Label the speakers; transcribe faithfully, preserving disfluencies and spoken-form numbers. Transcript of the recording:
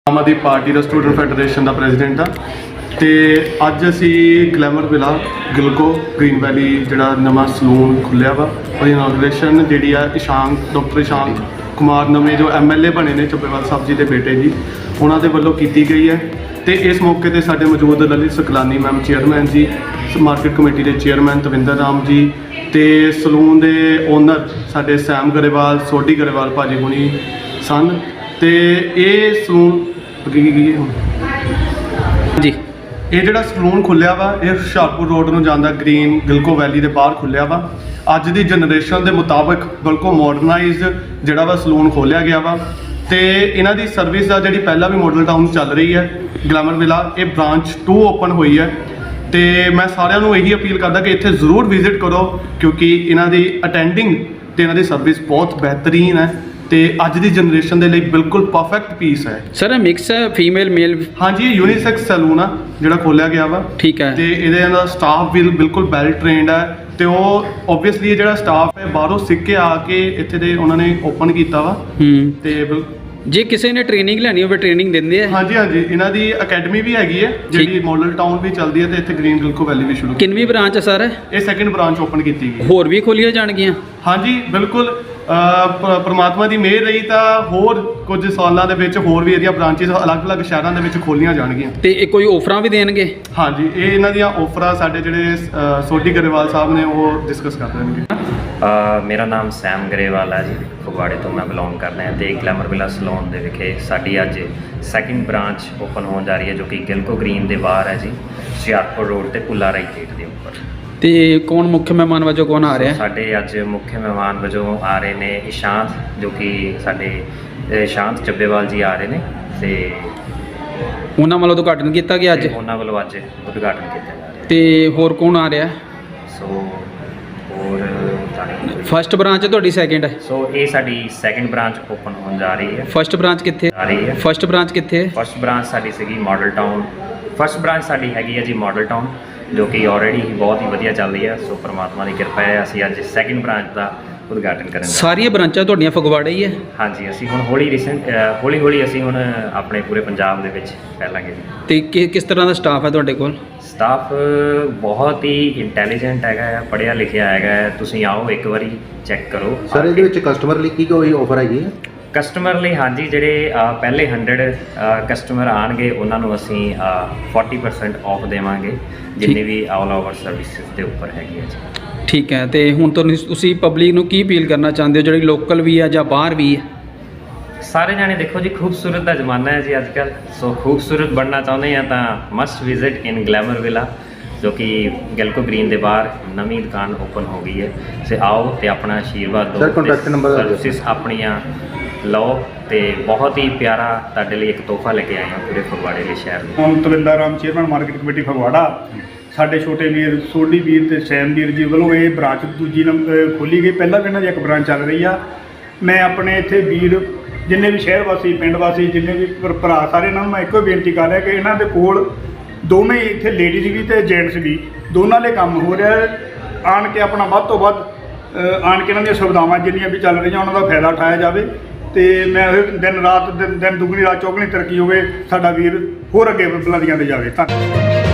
Speaker 1: ਆਮ Aadmi party ਦਾ student federation ਦਾ president ਆ ਤੇ ਅੱਜ ਅਸੀਂ glamour villa Gillco green valley ਜਿਹੜਾ ਨਵਾਂ ਸਲੂਨ ਖੁੱਲਿਆ ਵਾ ਉਹਦੀ ਇਨੋਗ੍ਰੇਸ਼ਨ ਜਿਹੜੀ ਆ ਇਸ਼ਾਂਕ ਡਾਕਟਰ ਇਸ਼ਾਂਕ ਕੁਮਾਰ ਨਵੇਂ ਜੋ ਐਮ ਐਲ ਏ ਬਣੇ ਨੇ ਚੱਬੇਵਾਲ ਸਾਹਿਬ ਜੀ ਦੇ ਬੇਟੇ ਜੀ ਉਹਨਾਂ ਦੇ ਵੱਲੋਂ ਕੀਤੀ ਗਈ ਹੈ। ਤੇ ਇਸ ਮੌਕੇ ਤੇ ਸਾਡੇ ਮੌਜੂਦ Lalit Saklani ma'am chairman ji, market committee ਦੇ ਚੇਅਰਮੈਨ ਤਵਿੰਦਰ ਰਾਮ ਜੀ ਤੇ ਸਲੂਨ ਦੇ ਓਨਰ ਸਾਡੇ ਸੈਮ ਗਰੇਵਾਲ ਸੋਢੀ ਗਰੇਵਾਲ ਭਾਜੀ ਹੁਣੀ ਸਨ। ਤੇ ਇਹ ਸਲੂਨ
Speaker 2: ਜੀ
Speaker 1: ਇਹ ਜਿਹੜਾ ਸਲੂਨ ਖੁੱਲਿਆ ਵਾ ਇਹ ਹੁਸ਼ਿਆਰਪੁਰ ਰੋਡ ਨੂੰ ਜਾਂਦਾ ਗ੍ਰੀਨ ਗਿਲਕੋ ਵੈਲੀ ਦੇ ਬਾਹਰ ਖੁੱਲਿਆ ਵਾ। ਅੱਜ ਦੀ ਜਨਰੇਸ਼ਨ ਦੇ ਮੁਤਾਬਕ ਬਿਲਕੁਲ ਮਾਡਰਨਾਈਜ਼ਡ ਜਿਹੜਾ ਵਾ ਸਲੂਨ ਖੋਲਿਆ ਗਿਆ ਵਾ ਤੇ ਇਹਨਾਂ ਦੀ ਸਰਵਿਸ ਦਾ ਜਿਹੜੀ ਪਹਿਲਾਂ ਵੀ ਮਾਡਲ ਟਾਊਨ ਚੱਲ ਰਹੀ ਹੈ ਗਲੈਮਰ ਵਿਲਾ, ਇਹ ਬ੍ਰਾਂਚ ਟੂ ਓਪਨ ਹੋਈ ਹੈ। ਤੇ ਮੈਂ ਸਾਰਿਆਂ ਨੂੰ ਇਹੀ ਅਪੀਲ ਕਰਦਾ ਕਿ ਇੱਥੇ ਜ਼ਰੂਰ ਵਿਜ਼ਿਟ ਕਰੋ ਕਿਉਂਕਿ ਇਹਨਾਂ ਦੀ ਅਟੈਂਡਿੰਗ ਤੇ ਇਹਨਾਂ ਦੀ ਸਰਵਿਸ ਬਹੁਤ ਬਿਹਤਰੀਨ ਹੈ ਤੇ ਅੱਜ ਦੀ ਜਨਰੇਸ਼ਨ ਦੇ ਲਈ ਬਿਲਕੁਲ ਪਰਫੈਕਟ ਪੀਸ ਹੈ।
Speaker 2: ਸਰ ਇਹ ਮਿਕਸ ਹੈ ਫੀਮੇਲ ਮੇਲ?
Speaker 1: ਹਾਂਜੀ, ਇਹ ਯੂਨੀਸੈਕਸ ਸੈਲੂਨ ਆ ਜਿਹੜਾ ਖੋਲਿਆ ਗਿਆ ਵਾ।
Speaker 2: ਠੀਕ ਹੈ।
Speaker 1: ਤੇ ਇਹਦੇ ਦਾ ਸਟਾਫ ਵੀ ਬਿਲਕੁਲ ਵੈਲ ਟ੍ਰੇਨਡ ਹੈ ਤੇ ਉਹ ਓਬਵੀਅਸਲੀ ਜਿਹੜਾ ਸਟਾਫ ਹੈ ਬਾਹਰੋਂ ਸਿੱਖ ਕੇ ਆ ਕੇ ਇੱਥੇ ਦੇ ਉਹਨਾਂ ਨੇ ਓਪਨ ਕੀਤਾ ਵਾ।
Speaker 2: ਹੂੰ
Speaker 1: ਤੇ ਬਿਲ-
Speaker 2: ਜੇ ਕਿਸੇ ਨੇ ਟ੍ਰੇਨਿੰਗ ਲੈਣੀ ਹੋਵੇ ਟ੍ਰੇਨਿੰਗ ਦਿੰਦੇ ਆ?
Speaker 1: ਹਾਂਜੀ ਹਾਂਜੀ, ਇਹਨਾਂ ਦੀ ਅਕੈਡਮੀ ਵੀ ਹੈਗੀ ਹੈ ਜਿਹੜੀ ਮਾਡਲ ਟਾਊਨ ਵੀ ਚੱਲਦੀ ਹੈ ਤੇ ਇੱਥੇ ਗ੍ਰੀਨ ਗਿਲਕੋ ਵੈਲੀ ਵੀ ਸ਼ੁਰੂ
Speaker 2: ਕਿੰਨਵੀਂ ਬ੍ਰਾਂਚ ਹੈ ਸਰ?
Speaker 1: ਇਹ ਸੈਕਿੰਡ ਬ੍ਰਾਂਚ ਓਪਨ ਕੀਤੀ ਗਈ।
Speaker 2: ਹੋਰ ਵੀ ਖੋਲੀਆਂ ਜਾਣਗੀਆਂ?
Speaker 1: ਹਾਂਜੀ ਬਿਲਕੁਲ, ਪਰਮਾਤਮਾ ਦੀ ਮਿਹਰ ਰਹੀ ਤਾਂ ਹੋਰ ਕੁਝ ਸਾਲਾਂ ਦੇ ਵਿੱਚ ਹੋਰ ਵੀ ਇਹਦੀਆਂ ਬ੍ਰਾਂਚਿਸ ਅਲੱਗ-ਅਲੱਗ ਸ਼ਹਿਰਾਂ ਦੇ ਵਿੱਚ ਖੋਲੀਆਂ ਜਾਣਗੀਆਂ।
Speaker 2: ਤੇ ਇਹ ਕੋਈ ਆਫਰਾਂ ਵੀ ਦੇਣਗੇ?
Speaker 1: ਹਾਂਜੀ, ਇਹ ਇਹਨਾਂ ਦੀਆਂ ਆਫਰਾਂ ਸਾਡੇ ਜਿਹੜੇ ਅ, ਸੋਢੀ ਗਰੇਵਾਲ ਸਾਹਿਬ ਨੇ ਉਹ ਡਿਸਕਸ ਕਰ ਦੇਣਗੇ।
Speaker 3: ਅ, ਮੇਰਾ ਨਾਮ ਸੈਮ ਗਰੇਵਾਲ ਹੈ ਜੀ, ਫਗਵਾੜੇ ਤੋਂ ਮੈਂ ਬਿਲੋਂਗ ਕਰਦਾ ਹਾਂ ਤੇ ਗਲੈਮਰ ਵਿਲਾ ਸਲੂਨ ਦੇ ਵਿਖੇ ਸਾਡੀ ਅੱਜ ਸੈਕਿੰਡ ਬ੍ਰਾਂਚ ਓਪਨ ਹੋਣ ਜਾ ਰਹੀ ਹੈ ਜੋ ਕਿ ਗਿਲਕੋ ਗ੍ਰੀਨ ਦੇ ਬਾਹਰ ਹੈ ਜੀ, ਹੁਸ਼ਿਆਰਪੁਰ ਰੋਡ ਤੇ ਪੁੱਲਾ ਰਾਈ ਗੇਟ ਦੇ ਉੱਪਰ।
Speaker 2: ਤੇ ਕੌਣ ਮੁੱਖ ਮਹਿਮਾਨ ਵਜੋਂ ਕੌਣ ਆ ਰਿਹਾ?
Speaker 3: ਸਾਡੇ ਅੱਜ ਮੁੱਖ ਮਹਿਮਾਨ ਵਜੋਂ ਆ ਰਹੇ ਨੇ ਇਸ਼ਾਂਤ, ਜੋ ਕਿ ਸਾਡੇ ਇਸ਼ਾਂਤ ਚੱਬੇਵਾਲ ਜੀ ਆ ਰਹੇ ਨੇ ਤੇ
Speaker 2: ਉਹਨਾਂ ਵੱਲੋਂ ਉਦਘਾਟਨ ਕੀਤਾ ਗਿਆ ਅੱਜ?
Speaker 3: ਤੇ ਉਹਨਾਂ ਵੱਲੋਂ ਅੱਜ ਉਦਘਾਟਨ ਕੀਤਾ ਜਾ ਰਿਹਾ।
Speaker 2: ਤੇ ਹੋਰ ਕੌਣ ਆ ਰਿਹਾ?
Speaker 3: ਸੋ ਹੋਰ
Speaker 2: ਫਸਟ ਬ੍ਰਾਂਚ ਤੁਹਾਡੀ ਸੈਕਿੰਡ ਹੈ?
Speaker 3: ਸੋ ਇਹ ਸਾਡੀ ਸੈਕਿੰਡ ਬ੍ਰਾਂਚ ਓਪਨ ਹੋਣ ਜਾ ਰਹੀ ਹੈ।
Speaker 2: ਫਸਟ ਬ੍ਰਾਂਚ ਕਿੱਥੇ
Speaker 3: ਆ ਰਹੀ ਹੈ
Speaker 2: ਫਸਟ ਬ੍ਰਾਂਚ ਕਿੱਥੇ ਹੈ?
Speaker 3: ਫਸਟ ਬ੍ਰਾਂਚ ਸਾਡੀ ਸੀਗੀ ਮਾਡਲ ਟਾਊਨ। ਫਸਟ ਬ੍ਰਾਂਚ ਸਾਡੀ ਹੈਗੀ ਹੈ ਜੀ ਮਾਡਲ ਟਾਊਨ, ਜੋ ਕਿ ਆਲਰੇਡੀ ਹੀ ਬਹੁਤ ਹੀ ਵਧੀਆ ਚੱਲ ਰਹੀ ਹੈ। ਸੋ ਪਰਮਾਤਮਾ ਦੀ ਕਿਰਪਾ ਹੈ ਅਸੀਂ ਅੱਜ ਸੈਕਿੰਡ ਬ੍ਰਾਂਚ ਦਾ ਉਦਘਾਟਨ ਕਰਨ ਜਾ ਰਹੇ ਹਾਂ।
Speaker 2: ਸਾਰੀਆਂ ਬ੍ਰਾਂਚਾਂ ਤੁਹਾਡੀਆਂ ਫਗਵਾੜੇ ਹੀ ਹੈ?
Speaker 3: ਹਾਂਜੀ, ਅਸੀਂ ਹੁਣ ਹੌਲੀ ਰੀਸੈਂਟ ਹੌਲੀ ਹੌਲੀ ਅਸੀਂ ਹੁਣ ਆਪਣੇ ਪੂਰੇ ਪੰਜਾਬ ਦੇ ਵਿੱਚ ਫੈਲਾਂਗੇ ਜੀ।
Speaker 2: ਤੇ ਕਿ ਕਿਸ ਤਰ੍ਹਾਂ ਦਾ ਸਟਾਫ ਹੈ ਤੁਹਾਡੇ ਕੋਲ?
Speaker 3: ਸਟਾਫ ਬਹੁਤ ਹੀ ਇੰਟੈਲੀਜੈਂਟ ਹੈਗਾ ਹੈ, ਪੜ੍ਹਿਆ ਲਿਖਿਆ ਹੈਗਾ ਹੈ। ਤੁਸੀਂ ਆਓ ਇੱਕ ਵਾਰੀ ਚੈੱਕ ਕਰੋ।
Speaker 4: ਸਰ ਇਹਦੇ ਵਿੱਚ ਕਸਟਮਰ ਲਈ ਕੀ ਕੋਈ ਆਫਰ ਹੈਗੀ ਹੈ?
Speaker 3: ਕਸਟਮਰ ਲਈ ਹਾਂਜੀ, ਜਿਹੜੇ ਅ, ਪਹਿਲੇ ਹੰਡਰਡ ਕਸਟਮਰ ਆਉਣਗੇ ਉਹਨਾਂ ਨੂੰ ਅਸੀਂ ਫੋਰਟੀ ਪਰਸੈਂਟ ਆਫ ਦੇਵਾਂਗੇ ਜਿੰਨੇ ਵੀ ਆਲ ਓਵਰ ਸਰਵਿਸਿਜ਼ ਦੇ ਉੱਪਰ ਹੈਗੀ ਹੈ ਜੀ।
Speaker 2: ਠੀਕ ਹੈ। ਤੇ ਹੁਣ ਤੁਹਾਨੂੰ ਤੁਸੀਂ ਪਬਲਿਕ ਨੂੰ ਕੀ ਅਪੀਲ ਕਰਨਾ ਚਾਹੁੰਦੇ ਹੋ ਜਿਹੜੀ ਲੋਕਲ ਵੀ ਹੈ ਜਾਂ ਬਾਹਰ ਵੀ ਹੈ?
Speaker 3: ਸਾਰੇ ਜਾਣੇ ਦੇਖੋ ਜੀ, ਖੂਬਸੂਰਤ ਦਾ ਜ਼ਮਾਨਾ ਹੈ ਜੀ ਅੱਜ ਕੱਲ੍ਹ। ਸੋ ਖੂਬਸੂਰਤ ਬਣਨਾ ਚਾਹੁੰਦੇ ਆ ਤਾਂ must visit in glamour villa, ਜੋ ਕਿ ਗਿਲਕੋ ਗ੍ਰੀਨ ਦੇ ਬਾਹਰ ਨਵੀਂ ਦੁਕਾਨ ਓਪਨ ਹੋ ਗਈ ਹੈ। ਸੇ ਆਓ ਤੇ ਆਪਣਾ ਆਸ਼ੀਰਵਾਦ ਦਿਓ,
Speaker 4: Sir, contact number ਦੱਸ ਦਿਓ।
Speaker 3: ਸਰਵਿਸਿਜ਼ ਆਪਣੀਆਂ ਲਓ ਤੇ ਬਹੁਤ ਹੀ ਪਿਆਰਾ ਤੁਹਾਡੇ ਲਈ ਇੱਕ ਤੋਹਫਾ ਲੈ ਕੇ ਆਏ ਹਾਂ ਪੂਰੇ ਫਗਵਾੜੇ ਦੇ ਸ਼ਹਿਰ ਨੂੰ।
Speaker 5: ਹੁਣ Tavinder Ram chairman market committee Phagwara, ਸਾਡੇ ਛੋਟੇ ਵੀਰ ਸੋਢੀ ਵੀਰ ਤੇ ਸੈਮ ਵੀਰ ਜੀ ਵੱਲੋਂ ਇਹ ਬ੍ਰਾਂਚ ਦੂਜੀ ਨੰਬਰ ਖੋਲੀ ਗਈ। ਪਹਿਲਾਂ ਵੀ ਇਹਨਾਂ ਦੀ ਇੱਕ ਬ੍ਰਾਂਚ ਚੱਲ ਰਹੀ ਆ। ਮੈਂ ਆਪਣੇ ਇੱਥੇ ਵੀਰ ਜਿੰਨੇ ਵੀ ਸ਼ਹਿਰ ਵਾਸੀ ਪਿੰਡ ਵਾਸੀ ਜਿੰਨੇ ਵੀ ਭਰ- ਭਰਾ ਸਾਰੇ ਇਹਨਾਂ ਨੂੰ ਮੈਂ ਇੱਕੋ ਬੇਨਤੀ ਕਰ ਰਿਹਾ ਕਿ ਇਹਨਾਂ ਦੇ ਕੋਲ ਦੋਵੇਂ ਹੀ ਇੱਥੇ ਲੇਡੀਜ਼ ਵੀ ਤੇ ਜੈਂਟਸ ਵੀ ਦੋਨਾਂ ਦੇ ਕੰਮ ਹੋ ਰਿਹਾ ਹੈ। ਆਣ ਕੇ ਆਪਣਾ ਵੱਧ ਤੋਂ ਵੱਧ ਅ, ਆਣ ਕੇ ਇਹਨਾਂ ਦੀਆਂ ਸੁਵਿਧਾਵਾਂ ਜਿੰਨੀਆਂ ਵੀ ਚੱਲ ਰਹੀਆਂ ਉਹਨਾਂ ਦਾ ਫਾਇਦਾ ਉਠਾਇਆ ਜਾਵੇ ਤੇ ਮੈਂ ਇਹ ਦਿਨ ਰਾਤ ਦਿਨ ਦਿਨ ਦੁਗਣੀ ਰਾਤ ਚੌਗਣੀ ਤਰੱਕੀ ਹੋਵੇ, ਸਾਡਾ ਵੀਰ ਹੋਰ ਅੱਗੇ ਬੁਲੰਦੀਆਂ ਤੇ ਜਾਵੇ। ਧੰਨਵਾਦ।